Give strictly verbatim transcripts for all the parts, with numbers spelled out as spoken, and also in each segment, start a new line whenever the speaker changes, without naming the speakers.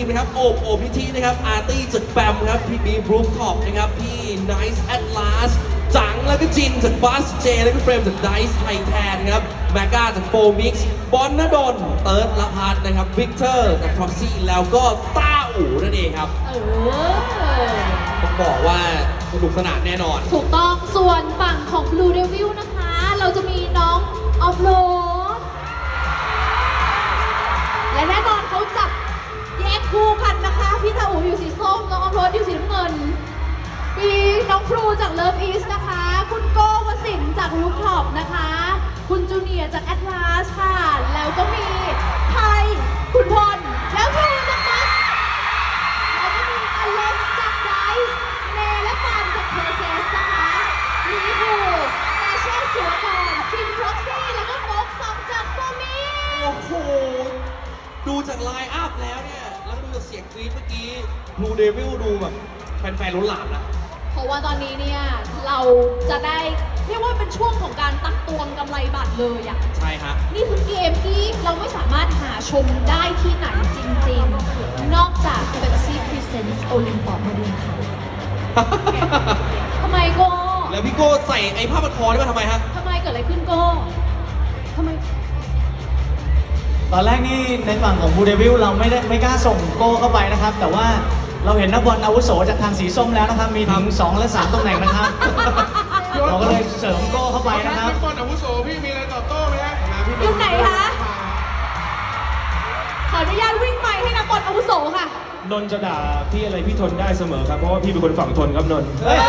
มนะครับโอบโอบพิธีนะครับอาร์ตี้จากแบมครับพี่บีบรูฟท็อปนะครับพี่ไนซ์แอตลาสจังแล้วก็จินจากบัสเจแล้วก็เฟรมจากไดซ์ไทแทนครับแมก้าจากโฟมิกซ์บอลนดลเติร์ดละพัฒนะครับวิกเตอร์จากท็อปซี่แล้วก็ต้าอู่นั่นเองครับเออต้องบอกว่าสนุกสนานแน่นอน
ถูกต้องส่วนฝั่งของ Blue Devil นะคะเราจะมีน้องออฟโรดและแน่นอนเขาจับแยกคู่กันนะคะพี่ตาอูอยู่สีส้มน้องออฟโรดอยู่สีน้ำเงินมีน้องครูจากเลิฟอีสนะคะคุณโก้วสินจากรูฟท็อปนะคะคุณจูเนียจากแอตลาสค่ะแล้วก็มีไทยคุณพลแล้วครูจากบัสแล้วก็มีอเล็กซ์จากไดซ์เนและปานจากเพอร์เซสนะคะมีครูตาเช่เสือกรคิมพร็อกซี่แล้วก็โฟกซัมจากโฟมี
โอ้โหดูจากไลน์อัพแล้วเนี่ยแล้วดูจากเสียงกรี๊ดเมื่อกี้ Blue Devil ดูแบบแฟนๆล้นหลามนะ
เพราะว่าตอนนี้เนี่ยเราจะได้เรียกว่าเป็นช่วงของการตักตวงกำไรบัตรเลยอ่ะ
ใช่ฮะ
นี่คือเกมที่เราไม่สามารถหาชมได้ที่ไหนจริงๆนอกจาก Pepsi Presents Olympus มาดูค่ะทำไมโก้
แล้วพี่โก้ใส่ไอ้ผ้าพันคอนี่มาทำไมฮะ
ทำไมเกิดอะไรขึ้นโก้ทำไม
ตอนแรกนี่ในฝั่งของบูเดวิลเราไม่ได้ไม่กล้าส่งโก้เข้าไปนะครับแต่ว่าเราเห็นนักบอลอาวุโสจากทางสีส้มแล้วนะครับมีถึงสองและสามตำแหน่งนะครับเราก็เลยเสริมโก้เข้าไปนะครับ
นักบอลอาวุโสพี่มีอะไรตอบโต้ไหมฮะ
อยู่ไหนคะขออนุญาตวิ่งไปให้นักบอลอาวุโสค่ะ
นนจะด่าพี่อะไรพี่ทนได้เสมอครับเพราะว่าพี่เป็นคนฝั่งทนครับนน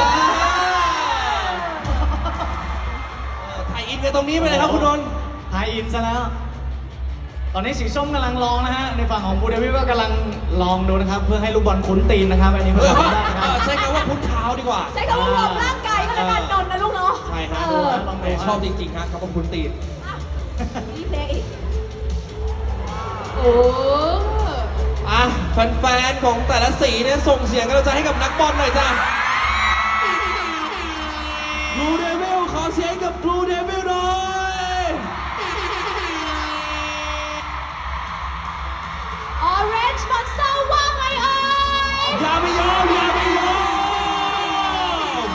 ถ่ายอินกันตรงนี้ไปเลยครับคุณนน
ถ่ายอินซะแล้วตอนนี้สีส้มกำลังลองนะฮะในฝั่งของบูเดวิลก็กำลังลองดูนะครับเพื่อให้ลูกบอลคุ้นตีนนะครับอันนี้เพื่อทำได้นะครับ
ใช้คำว่าคุ้นเท้าดีกว่า
ใช้คำว่าวอร์มร่างกายก็แล้วกันนนนะลูกเนาะ
ใช่ฮะชอบจริงๆฮะคำว่าคุ้นตีน
นี่เพลงอีกโอ้
อ่ะแฟนๆของแต่ละสีเนี่ยส่งเสียงกำลังใจให้กับนักบอลหน่อยจ้ะ Blue Devil ขอเสียงกับ Blue Devil หน่อย
Orange Monster ว่าไงเอ่ย
อย่าไปยอมอย่าไปยอม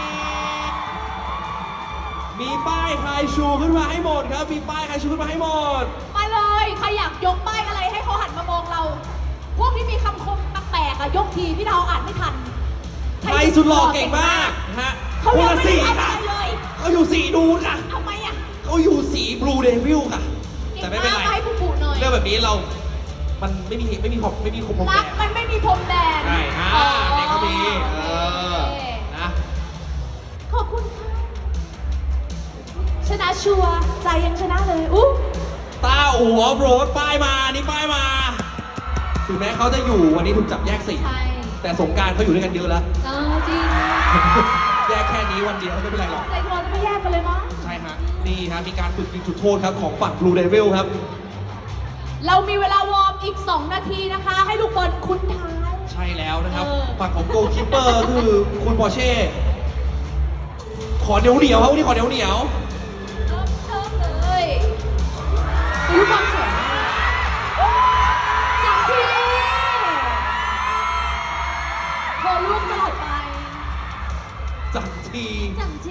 มีป้ายใครชูขึ้นมาให้หมดครับมีป้ายใครชูขึ้นมาให้หมด
มาเลยใครอยากยกป้ายอะไรให้เขาหันมามองเราพวกที่มีคำคมแปลกๆอะยกทีพี่ดาวอ่านไม่ทัน
ใครสุดหล่อเก่งมากฮะ
เขายังไม่ได้อะไรเลย
เขาอยู่สีดูนค่ะ
ทำไมอะ
เขาอยู่สี Blue Devil ค่ะแต่ไม่เป็นไรเรื่องแบบนี้เรามันไม่มีไม่มีขอบไม่มีคมพรมแดน
มันไม่มีพรมแดน
ใช่ฮะเด็กก็มีเออนะ
ขอบคุณค่ะชนะชัวร์ใจยังชนะเลยอุ๊
ตาอู๋ออฟโรดป้ายมานี่ป้ายมาถึงแม้เขาจะอยู่วันนี้ถูกจับแยกสี่แต่สงการเขาอยู่ด้วยกันเยอะแล้ว
เออจริง
แยกแค่นี้วันเดียวไม่เป็นไรหรอก
ใจคอจะไม่แยกกันเลยมั้ง
ใช่ฮะนี่ฮะมีการฝึกยิงจุดโทษครับของฝั่ง Blue Devil ครับ
เรามีเวลาวอร์มอีกสองนาทีนะคะให้ลูกบอลคุ้นท้าย
ใช่แล้วนะครับฝั่งของโกลคีปเปอร์คือคุณปอร์เช่ขอเหนียวเหนียวครับวันนี้ขอเหนียวเหนียว
เริ่มเริ่มเลยลูกบอลสวยจังทีโคลูกตลอดไป
จังที
จังที